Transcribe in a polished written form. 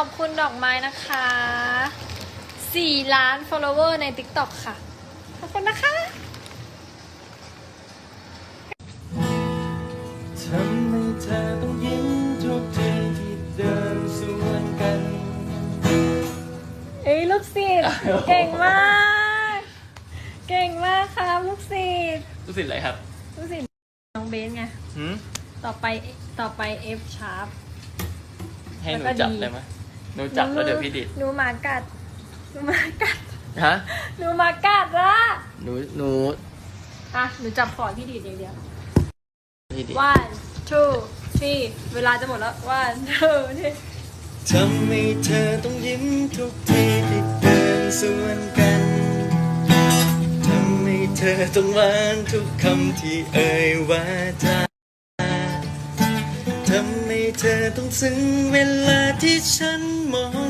อบคุณดอกไม้นะคะ4 ล้าน follower ใน TikTok ค่ะ ขอบคุณนะคะทำให้เธอต้องยิ้มทุกทีที่เดินสวนกันเอ้ยลูกศิษย์เก่งมาก เก่งมากครับลูกศิษย์รู้สึกอะไรครับลูกศิษย์น้องเบสไงหืมต่อไป F sharp ให้หนูแล้วก็จับดีได้ไหมหนูจับแล้วเดี๋ยวพี่ดิดหนูหมากัดหนูหมากัดฮะหนูหมากัดละหนูอ่ะหนูจับขอพี่ดีดอย่างเดียวพี่ดิด 1 2 3เวลาจะหมดแล้ว 1 2 3 ทำให้เธอต้องยิ้มทุกทีที่เดินสวนกันทำให้เธอต้องหวานทุกคำที่เอ่ยวาจาทำให้เธอต้องซึ้งเวลาที่ฉันมอง